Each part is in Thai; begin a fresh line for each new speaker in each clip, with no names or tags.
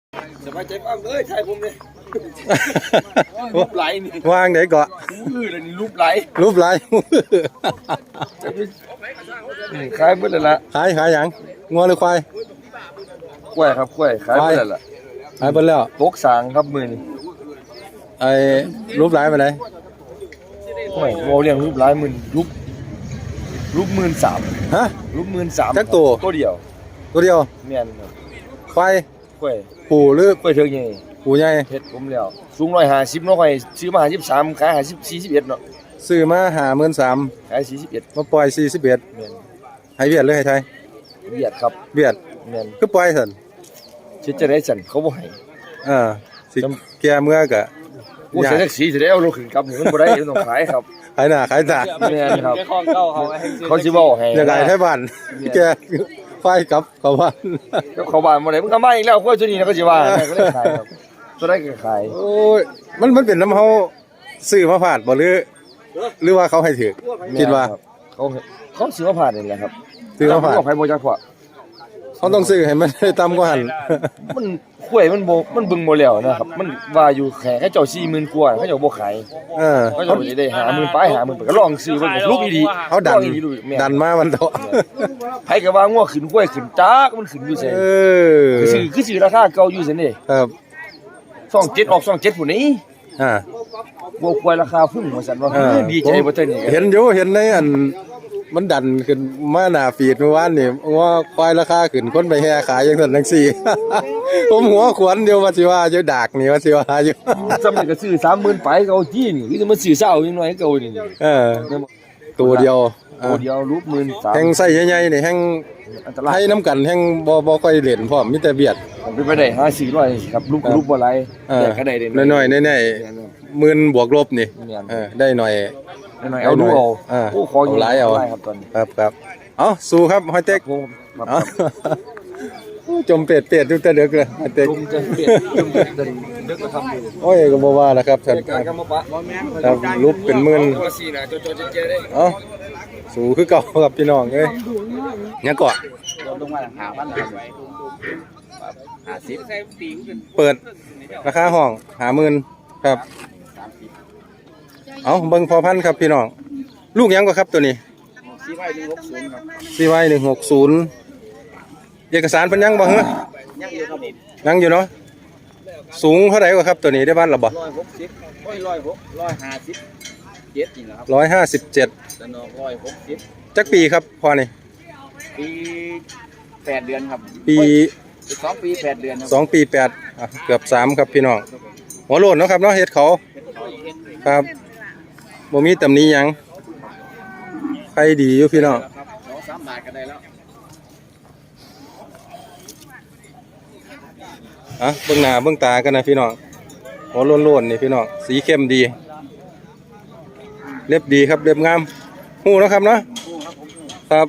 สบายใจบ้างเลยใช่ผมเลยรูปไหลนี่
วางไหนเกาะ
มือเลยนี่รูปไหลขายเมื่อไรละ
ขายอย่างงัวหรือควาย
กล้วยครับกล้วยขายเมื่อไรละ
ขายไปแล้ว
ตกสางครับมือนี่
ไอ้รูปไหลไปไหน
โอ้ยโมเรียงรูปไหลมือรูป13,000
ฮะ
รูป13,000
จักตัว
เดียวเมียน
ควาย
กล้วย
ผู้หรือก
ล้วยเถิงใหญ่
ผู้ใหญ่
เฮ็ดผมแล้วสูง150เนาะค่อยซื้อมา53ขาย41เนาะ
ซื้อมา53,000
ขาย41
มาปล่อย41
แม่น
ให้เวียดหรือให้ไทย
เวียดครับ
เวียด
แม่น
คือปล่อยซั่น
สิจะได้สั่นเขาบ่ให้
สิแก่เมื่อกะ
โอ้ใส่แท็กซี่สิได้เอารถขึ้นกลับนี่มันบ่ได้ต้องขายครับ
ขายหน้าขายตา
แม่นครับเขาสิเว้าให้
อยากให้ไทบ้านแกไฟกลับเข้าบ้าน
เข้าบ้านบ่ได้มึงเข้ามาอีกแล้วค่อยตัวนี้นะก็สิว่าก็เลยขายครับตัวได้ก็ขาย
โอ้ยมันเป็นน้ำเฮาซื้อมาผ่านบ่หรือว่าเขาให้ถือคิดว่า
เขาซื้อมาผ่านนี่แหละครับ
ซื้อมาผ่าน
เขาให้บ่จักพอ
เขาต้องซื้อให้มันต่ำกว่าหั่น
มันกล้วยมันบึงบ่แล้วนะครับมันว่าอยู่แค่เจ้า 40,000 กว่าเขาเจ้าบ่ขายเขาเจ้าได้50,000ไป50,000ไปก็ลองซื้อเบิ่งลูกอีดี
เขาดันมามันเถาะ
ไผก็ว่างัวขึ้นกล้วยขึ้นจักมันขึ้นอยู่ไสคือซื้อราคาเก่าอยู่ซั่นนี่
ครับ
27ออก27พุ่นนี่บ่กล้วยราคาพุ่งว่าซั่นว่าดีใจบ่เท่านี้
เห็นอยู่เห็นในอันมันดันขึ้นมาหน้าฟีดเมื่อวานนี่ว่าควายราคาขึ้นคนไปแห่ขายจังซั่นจังซี่ผมหัวขวนเดียวว่าสิว่าอยู่ดากนี่ว่าสิว่าอยู่
สำนี้ก็ซื้อ 30,000 ไปก็เอาจี้นี่คือมันซื้อเช้าจังน้อยเก่านี่
ตัวเดียว
รูป13,000
แห่งไส้ใหญ่ๆนี่แห่งให้น้ำกันแห่งบ่ค่อยเล่นพร้อมมีแต่เบียด
เป็นไปได้5-400ครับรูปบ่หลายแต่ก็ได้
น้อยๆแน่ๆหมื่นบวกลบนี่ได้หน่อย
เอาดูเอา
โอ้ขอหลายเอา
ครับตอนนี้
ครับเอาสู้ครับหอยเต็กจมเป็ดดูแต่เด็กเลยหอยเต็กโอ้ยก็บ่ว่าแล้วครับท่านครับรูปเป็นหมื่นเอาสู้คือเก่าครับพี่น้องเอ้ยยังก่อนเปิดราคาห้อง50,000ครับเอาเบิ่งพอพันครับพี่น้องลูกยังก็ครับตัวนี้CY160เอกสารเพิ่นยังบ่ฮะยังอยู่เนาะสูงเท่าไหร่ก็ครับตัวนี้ได้บ้านหรอบ่157จักปีครับพอนี่
ปี8 เดือนครับ
ปี
2 ปี 8 เดือน
2 ปี 8เกือบ3ครับพี่น้องหัวโลนเนาะครับเนาะเฮ็ดเขาครับบ่มีตำหนิหยังใครดีอยู่พี่น้อง
2-3 บาทก็ได้แล้ว
เบิ่งหน้าเบิ่งตากันนะพี่น้องหัวโล้นๆนี่พี่น้องสีเข้มดีเล็บดีครับเล็บงามฮู้เนาะครับเนาะครับ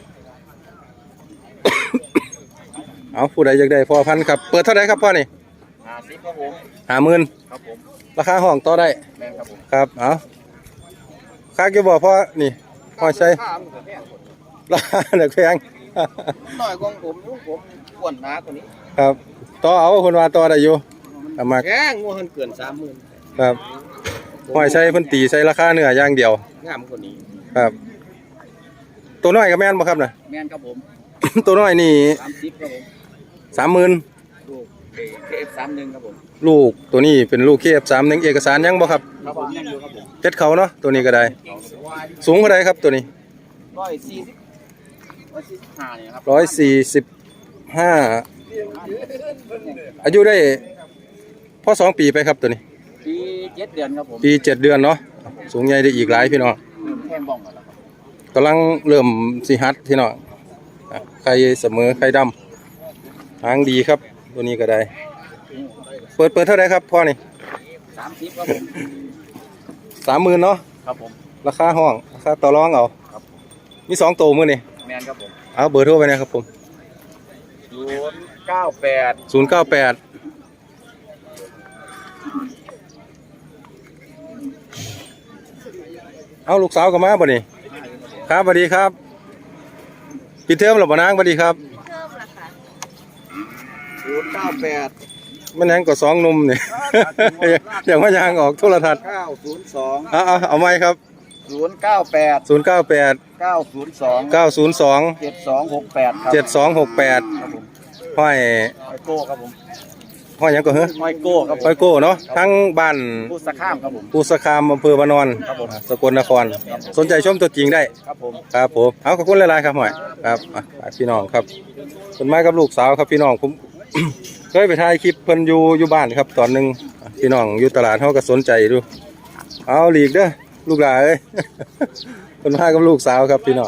เอาผู้ใดอยากได้พอพันครับเปิดเท่าไหร่ครับพ่อนี่
50ครับผม
50,000
ครับผม
ราคาห้องต่อได้
แม่นครับผม
ครับเอาค่าเกี่ยวบ่พ่อนี่พอใช้ราคาเด็กแพง
น้อยกว่าผมอ้วนหนากว่านี้
ครับต่อเอาคนว่าต่อได้อยู่มา
แพงงัวเพิ่นเกิน 30,000
ครับพอใช้เพิ่นตีใช้ราคาเนื้ออย่างเดียว
งามกว่านี้
ครับตัวน้อยก็แม่นบ่ครับน่ะ
แม่นครับผม
ตัวน้อยนี่
30ครับผม
30,000
ลูกKF31ครับผม
ลูกตัวนี้เป็นลูก KF31เอกสารยังบ่ครับ
ครับผมยังอยู่ครับผม
เพชรเขาเนาะตัวนี้ก็ได้สูงเท่าใดครับตัวนี้
145นี่ครับ
145อายุได้พอ2 ปีไปครับตัวนี้
ปี7 เดือนครับผม
ปี7 เดือนเนาะสูงใหญ่ได้อีกหลายพี่น้อง
แข้งบ้องแล้วครับ
กำลังเริ่มสิหัดพี่น้องไข่เสมอไข่ดำหางดีครับตัวนี้ก็ได้เปิดเท่าไหร่ครับพ่อนี่
30ครับผม
30,000เนาะ
ครับผม
ราคาห้องราคาต่อรองเอา
ครับ
มี2ตัวมื้อนี่
แม่นครับผม
เอาเบอร์โทรไปนะครับผม098เอาลูกสาวก็มาบ่นี่ครับสวัสดีครับปิดเทอมหรือบ่นางสวัสดีครับ
098
มันยังก็สองหนุ่มนี่ อย่างว่ายางออกโทรทัศน์
902
เอาไหมครับ
098
098
902
902
7268ครับ
7268
ครับผม
ห้อย
ห้อยโก้ครับผม
ห้อยหยังก็เฮ้อ
ห้อยโก้ครับผม
ห้อยโก้เนาะทั้งบ้าน
ผู้สะข้ามครับผม
ปูสคามอำเภอวานอน
ครับผม
สกลนคร สนใจชมตัวจริงได้
ครับผม
ครับผมเอาขอบคุณหลายๆครับหน่อยครับพี่น้องครับคนมากับลูกสาวครับพี่น้องผม เคยไปถ่ายคลิปเพิ่นอยู่บ้านครับตอนหนึงพี่น้องอยู่ตลาดเขาก็สนใจดูเอาหลีกเด้อลูกหลานเอ้ย คนมากับลูกสาวครับพี่น้อง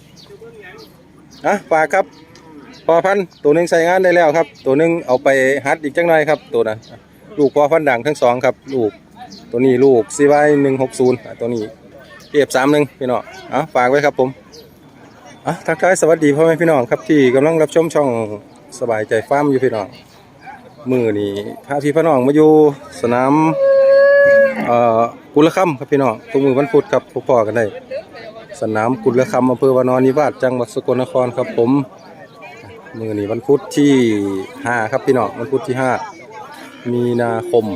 ฝากครับพอพันธุ์ตัวหนึงใช้งานได้แล้วครับตัวหนึงเอาไปฮัดอีกจังหน่อยครับตัวนั้นลูกพอพันธุ์ดังทั้งสองครับลูกตัวนี้ลูก CY160 ตัวนี้F31พี่น้องฝากไว้ครับผมทักทายสวัสดีพ่อแม่พี่น้องครับที่กำลังรับชมช่องสบายใจฟาร์มอยู่พี่น้องมือนี่พาพี่พี่น้องมาอยู่สนามกุลค่ำครับพี่น้องทุกมือวันพุธครับพบพอกันได้สนามกุลค่ำอำเภอวานอนนิวาสจังหวัดสกลนครครับผมมือนี่วันพุธที่5ครับพี่น้องวันพุธที่5มีนาคม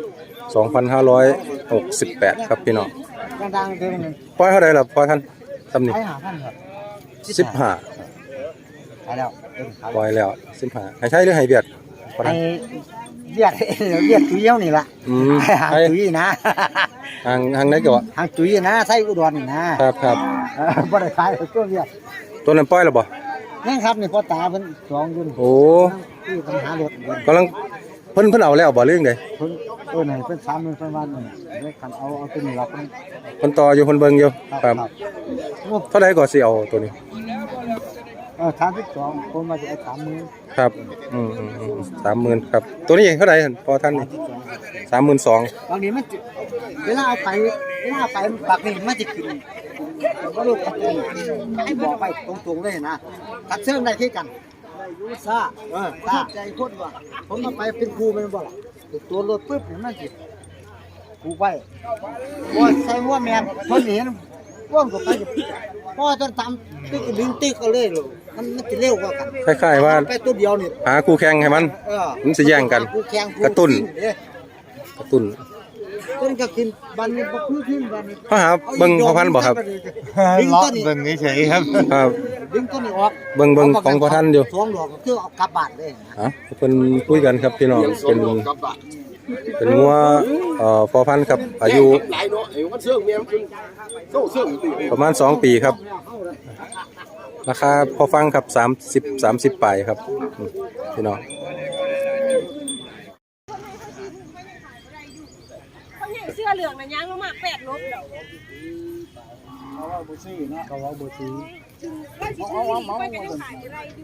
2568ครับพี่น้อง
ดังๆเท่านั้น
ปล่อยเท่าไหร่ล่ะพอท่านตำหนิ
ให้5,000ครับ
15
ไปแล้ว
ปล่อยแล้ว15ให้ใช้หรือให้เบียดพอ
ให้
ท่าน
เรียกเรียกตุ้ยเย้านี่ล่ะ หาง
ให้
ตุ้ยนะ
ทางไหนก็
หางตุ้ยนะไส้อุดรนี่นะครับ บ่ได้ขายตัวเรียก
ตัวนั้นปล่อยแล้วบ่
นี่ครับนี่พ่อตาเพิ่นสองยุ่น
โอ้
ที่ปัญหารถเพิ่น
กำลังเพิ่นเอาแล้วบ่เรื่องใด
เพิ่นให้เพิ่น30,000เพิ่นว่านี่เรียกคันเอาตัวนี้ล่ะเพิ่น
เพิ่นต่ออยู่เพิ่นเบิ่งอยู่ครับ
งบ
เท่าใดก็สิเอาตัวนี้
32คนมาจะเอา30,000
ครับ30,000ครับตัวนี้เท่าใดหั่นพอท่านนี่32,000
บางทีมันเวลาเอาไปปากนี่มันจะขึ้นบ่รู้กันให้บอกไปตรงๆเลยนะตัดเชิงได้คือกันซ่าซ่าใจคนว่าผมมาไปเป็นครูแม่นบ่ล่ะตัวรถปึ๊บนี่มันสิครูไปบ่ใส่หัวแม่นเพิ่นเห็นว่องก็ไปพอจนทำตึกดึงตึกเอาเลยลูกมันจะเร็วกว่ากัน
คล้ายๆว่า
ไปตัวเดียวนี่
หาคู่แข่งให้มัน มันสิแย่งกัน
คู่แข่ง
กระตุ้น กระตุ้น
ต้นก็กินบันนี้บ่คือขึ้นบันนี้
เขาหาเบิ่งพอพันธุ์บ่ครับ
ดึงต้นนี้
เบิ่งเฉยๆครับ
ครับ
ดึงต้นนี้ออก
เบิ่งของพอท่านอยู่
สวงดอกก็คือเอากลับบ้านเลยนะ
เพิ่นคุยกันครับพี่น้องเป็นงัวพอพันธุ์ครับอายุประมาณ2ปีครับราคาพอฟังครับ30ปลายครับพี่น้อง
คนอย่างเสื้อเหลืองนะย่างลงมา8 ลบ
เขาว่าบ่ซื้อเนาะเขาว่าบ่ซื้อ
ไล่สิซื้อนี่ไปกันยังขายอะไรอยู่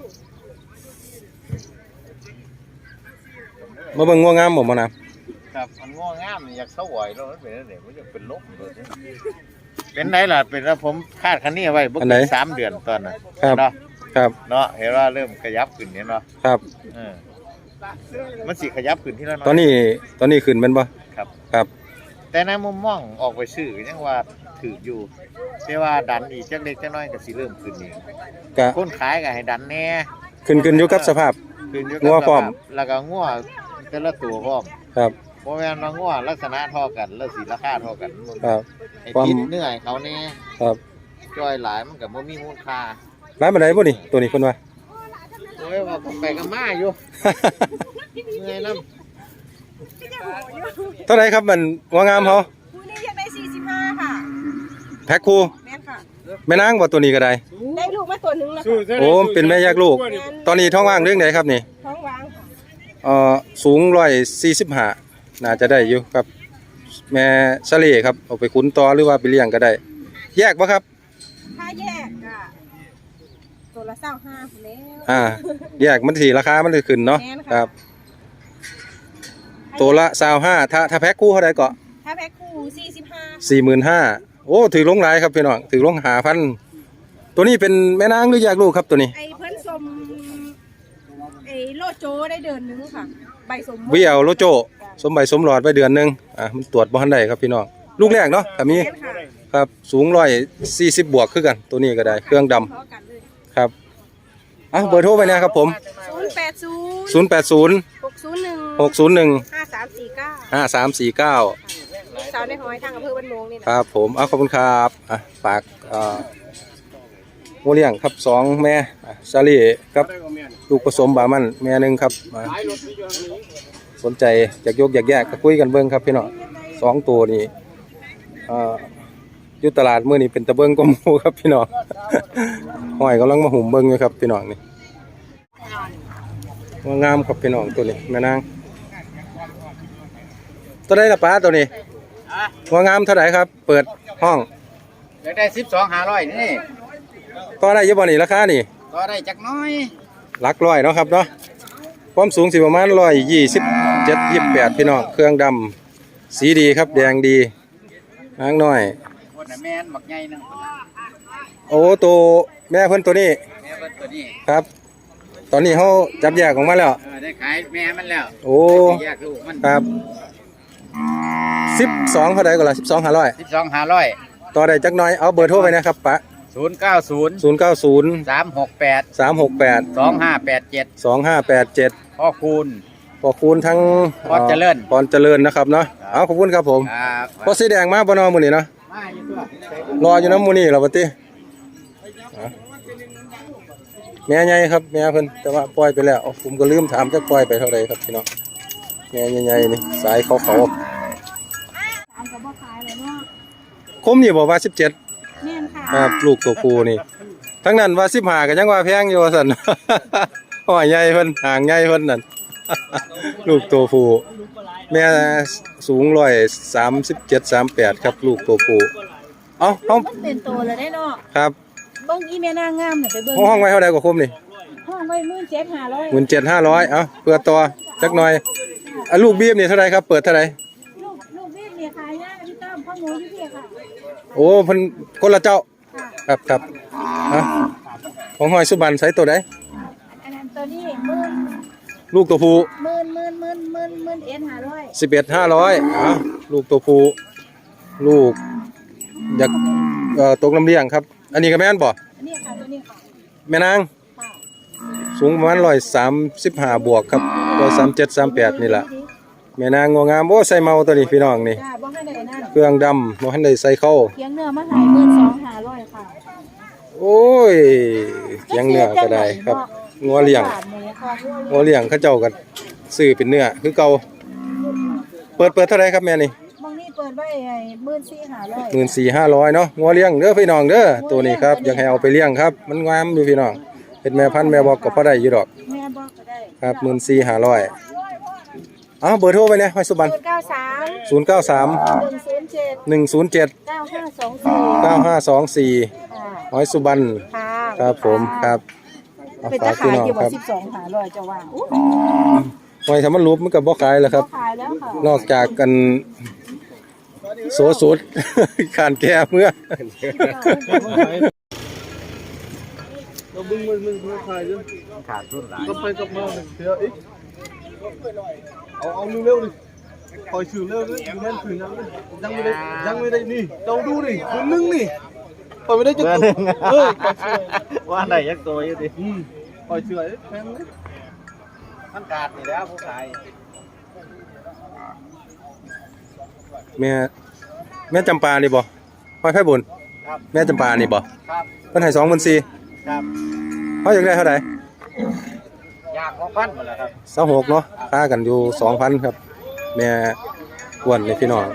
มาเบิ่งงัวงามบ่มานะครับ
มันง่วงงามอยากเสวยแล้วมันเป็นอะไรมันจะเป็นลบเลยเป็นไรล่ะเป็นแล้วผมคาดคันนี้ไว้บ่ถึง3 เดือนตอนน่ะ
ครับ
เนาะ
ครับ
เนาะเห็นว่าเริ่มขยับขึ้นเนี่ยเนาะ
ครับ
มันสิขยับขึ้นที่ละ
ตอนนี้ขึ้นแม่นบ่
ครับ
ครับ
แต่ในมุมมองออกไปซื้อยังว่าถืออยู่แต่ว่าดันอีกจักเล็กจักน้อยก็สิเริ่มขึ้นอีก
ก็
คนขายก็ให้ดันแน่
ขึ้นอยู่กับสภาพ
ขึ้นอยู่
งัวพร้อม
สภาพแล้วก็งัวแต่ละตัวพร้อม
ครับ
บ่แม่นว่างัวลักษณะเท่ากันแล้วสิราคาเท่ากัน
ครับ
ไอ้
ความ
คิดเหนื่อยเขาแน่
ครับ
จ้อยหลายมันก็บ่มีมูลค่า
ร้านบันไดบ่นี่ตัวนี้เพิ่นว่า
โอ้ยว่าผมไปกับมาอยู่ เหนื่อยนำ
เท่าไหร่ครับมันงัวงามเขา
คู่นี้อยากได้45ค่ะ
แพ็คคู่
แม่นค่ะ
แม่นางบ่ตัวนี้ก็ได้
ได้ลูกมาตัวหนึงแล้วค่ะ
โอ้เป็นแม่แยกลูก ตอนนี้ท้องว่างเรื่องไหนครับนี่
ท้องว่างค่ะ
สูง145น่าจะได้อยู่ครับ แม่สะเลครับเอาไปขุนต่อหรือว่าไปเลี้ยงก็ได้ แยกบ่ครับ
ถ้าแยกอ่ะตัวละ25พุ่นแล้ว
แยกมันสิราคามันจะขึ้นเนาะ
แม่นค่ะ
ครับ ตัวละ25ถ้าแพ็คคู่เท่าใดก็
ถ้าแพ็คคู่45
45,000โอ้ถือลงหลายครับพี่น้องถือลง5,000ตัวนี้เป็นแม่นางหรือแยกลูกครับตัวนี้
ไอ้เพิ่นสมไอ้โลโจได้เดือนหนึงค่ะ ใบสม
วิเอาโลโจสมใบสมหลอดไว้เดือนหนึงมันตรวจบ่ทันได้ครับพี่น้องลูกแรกเนาะถ้ามี
แม่นค่ะ
ครับสูง140บวกคือกันตัวนี้ก็ได้เครื่องดำ
พอกันเลย
ครับเบอร์โทรไปนะครับผม
080
080
601 ลูกสาวในหอยทางอำเภอบ้านโมงนี่
ค
นะ
รับผมขอบคุณครับฝากงูเลี้ยงครับ2แม่ซาลี่ครับลูกผสมบามันแม่หนึ่งครับสนใจอยากยกอยากแยกก็คุยกันเบิ่งครับพี่น้อง2ตัวนี้อยู่ตลาดมื้อนี้เป็นตะเบิ่งกว่าหมู่ครับพี่น้องห้อยกำลังมาหุ่มเบิ่งอยู่ครับพี่น้องนี่งามครับพี่น้องตัวนี้แม่นางตัวใดล่ะป้าตัวนี้งามเท่าไหร่ครับเปิดห้อง
อยากได้12,500นี่
ต่อได้อยู่บ่นี่ราคานี่
ก็ได้จักน้อย
หลักร้อยเนาะครับเนาะความสูงสิประมาณ127-28พี่น้องเครื่องดำสีดีครับแดงดีนางน้อย
คนน่ะแม่นบักใหญ่นึง
โอ้ตัวแม่เพิ่นตัวนี้
แม่เพิ่นตัวนี้
ครับ ตอนนี้เขาจับแยกออกมาแล้ว
ได้ขายแม่มันแล้ว
โอ้
แยกลูกมัน
ครับ12เท่าใดก็ล่ะ12,500
12,500
ต่อได้จักหน่อยเอาเบอร์โทรไปนะครับปะ
090
090
368
368
2587
2587
พ่อคูณ
ขอบคุณทั้ง
พรเจริญ
พรเจริญนะครับเนาะเอาขอบคุณครับผม
ครับ
พอสีแดงมาบ่เนอมื้อนี้เนาะ
มาอยู่ตัว
รออยู่น้ำหมูนี่เหราปติแม่ใหญ่ครับแม่เพิ่นแต่ว่าปล่อยไปแล้วผมก็ลืมถามจะปล่อยไปเท่าไหร่ครับพี่น้องแม่ใหญ่ๆนี่สายเขาคมนี่บอกว่า17
เนี่ยค่ะ
ครับลูกตัวผู้นี่ทั้งนั้นว่า15ก็ยังว่าแพงอยู่ว่าซั่น ห้อยใหญ่เพิ่นหางใหญ่เพิ่นนั่น ลูกตัวผู้แม่สูง137-38ครับลูกตัวผู้เอ้า
มันเป็นตัวเลยได้เนาะ
ครับ
เบิ้งอีแม่นางงามเนี่ยไปเบิ้ง
ห้องไว้เท่าใดกว่าคมนี่
ห้องไว้17,500
17,500เอ้าเพื่อต่อจักหน่อยลูกบีบนี่เท่าไหร่ครับเปิดเท่าไหร่
ลูกพี่เนี่ยขายยากพี่ต้อมพ่อหมูอยู่พี่ค่ะ
โอ้เพิ่นคนละเจ้าครับของห้อยสุบันใส่ตัวใด
อันนั้นตัวนี้
ลูกตัวผู้
11,500
11,500ลูกตัวผู้ลูกอยากตกน้ำเลี้ยงครับอันนี้ก็แม่นบ่
อันนี้ค่ะตัวนี้ค่ะ
แม่นาง
ค่ะ
สูงประมาณ135บวกครับ137-38นี่ล่ะแม่นางงามโอ้ใส่เมาตัวนี้พี่น้องนี่
จ้าบ่ให้ได้นั่น
เครื่องดำบ่ทันได้ใส่เข้า
เคียงเนื้อมาขาย12,500ค่ะ
โอ้ยเคียงเนื้อก็ได้ครับงัวเลี้ยงงัวเลี้ยงเขาเจ้าก็ซื้อเป็นเนื้อคือเก่าเปิดเท่าไหร่ครับแม่นี่
บางนี่เปิดไว้14,500
14,500เนาะงัวเลี้ยงเด้อพี่น้องเด้อตัวนี้ครับอยากให้เอาไปเลี้ยงครับมันงามอยู่พี่น้องเป็นแม่พันธุ์แม่บอกก็พอได้อยู่ดอก
แม่บอกก็ได้
ครับ14,500เบอร์โทรไปเนี่ยห้อยสุบัน093 107 9524ห้อยสุบัน
ค่ะ
ครับผมครับ
เป็นตะขายอยู่ว่า12,500จะว่าอู้
ห้อยทำมันรูปมันก็บ่ขายแล้วครับ
ขายแล้วค่ะ
นอกจากกันโสสุด ขานแก่เมื่อ
เราบึ้งมันขายด้วย
ขาดทุนหลาย
ก็ไปกับมาเดี๋ยวอีกเอาเร็วดิคอยชื่อเร็วดิแม่นถือยังไม่ได้นี่เราดูดิคนนึงนี่คอยไม่ได้จะตัว
ว่าไหนยักตัวอยู่ดิ
คอยเชื่อแพง
มันขาดนี่แล้วผู้ขาย
แม่จำปานี่บ่ห้อยไผ่บุญ
ครับ
แม่จำปานี่บ่
ครับ
เพิ่นให้24,000
ครับ
เฮาอยากได้เท่าใด
อยากของพันหมดแล้วครับ
26เนาะค่ากันอยู่ 2,000 ครับ แม่อ้วนนี่พี่น้อง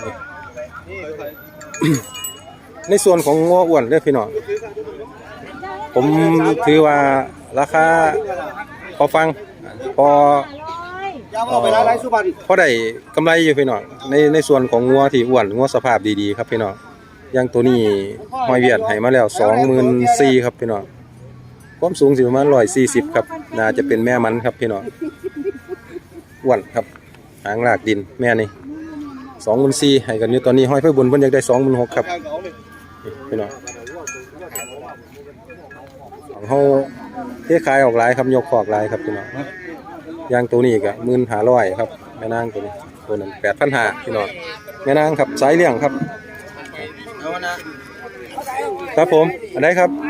นี่ ในส่วนของงัวอ้วนเด้อพี่น้องผมถือว่าราคาพอฟังพอพอได้กำไรอยู่พี่น้องในส่วนของงัวที่อ้วนงัวสภาพดีๆครับพี่น้องอย่างตัวนี้ห้อยเวียดให้มาแล้ว 24,000ครับพี่น้องความสูงสิประมาณ140ครับน่าจะเป็นแม่มันครับพี่น้องอ้วนครับหางลากดินแม่นี่24,000ให้กันอยู่ตอนนี้ห้อยไฟบุญเพิ่นอยากได้26,000ครับนี่พี่น้องของเฮาเทขายออกหลายครับยกขอกหลายครับพี่น้องอย่างตัวนี้ก็15,000ครับแม่นางตัวนี้ตัวนั้น8,500พี่น้องแม่นางครับสายเลี้ยงครับครับผมอันไหนครับ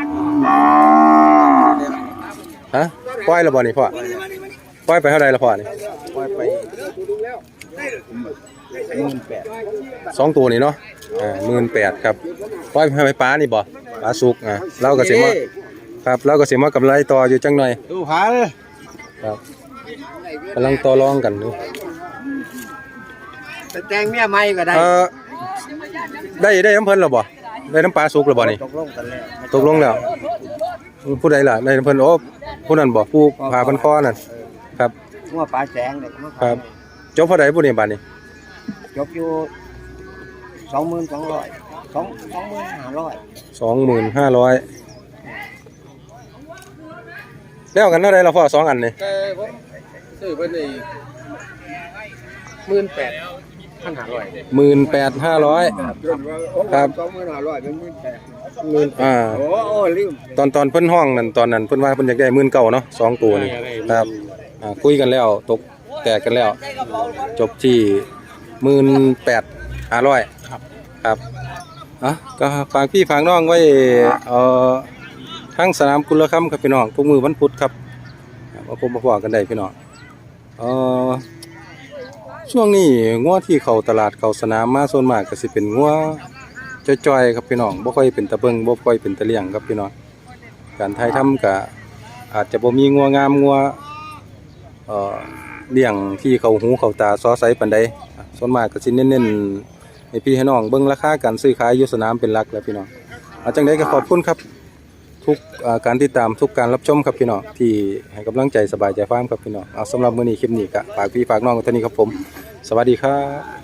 ฮะปล่อยแล้วบ่นี่พ่อปล่อยไปเท่าใดละพ่อนี่
ไปอยไป
2ตัวนี่เนาะ18,000ครับปล่อยให้ปลานี่บ่ปลาสุกเราก็สิมาครับเราก็สิมากำไรต่ออยู่จังหน่อย
ดูผาเลย
ครับกำลังต่อรองกันอยู่
แต่แตงเมียใหม่ก็ได้
ได้น้ำเพิ่นแล้วบ่ได้น้ำปลาสุกแล้วบ่นี่
ตกลงกันแล้ว
ตกลงแล้วผู้ใดล่ะได้น้ำเพิ่นโอ้ผู้นั้นบ่ผู้พาเพิ่นคอนั่นครับ
งัวปลาแสงเนี่ยมา
ครับจบเท่าใดผู้นี้บัดนี้
จบอยู่22,500
25,000แล้วกันเท่าใดล่ะพ่อ2อันนี่
ซื้อเพิ่นได้18,500
18,500ครับ
22,500เป็น18,000 โอ้ลืม
ตอนเพิ่นห้องนั่นตอนนั้นเพิ่นว่าเพิ่นอยากได้19,000เนาะ2ตัวนี่ครับคุยกันแล้วตกแตกกันแล้ว จบที่18,500ครับก็ฝากพี่ฝากน้องไว้ทั้งสนามกุลค่ำครับพี่น้องทุกมื้อวันพุธครับมาพบมาพอกันได้พี่น้องช่วงนี้งัวที่เข้าตลาดเข้าสนามมาส่วนมากก็สิเป็นงัวจ้อยๆครับพี่น้องบ่ค่อยเป็นตะเบิงบ่ค่อยเป็นตะเลี่ยงครับพี่น้องการถ่ายทำก็อาจจะบ่มีงัวงามงัวเลี้ยงที่เข้าหูเข้าตาซอไซปานใดส่วนมากก็สิเน้นๆให้พี่ให้น้องเบิ่งราคาการซื้อขายอยู่สนามเป็นหลักแล้วพี่น้องจังได๋ก็ขอบคุณครับทุกการติดตามทุกการรับชมครับพี่น้องที่ให้กำลังใจสบายใจฟาร์มครับพี่น้องสำหรับมื้อนี้คลิปนี้ก็ฝากพี่ฝากน้องกันเท่านี้ครับผมสวัสดีครับ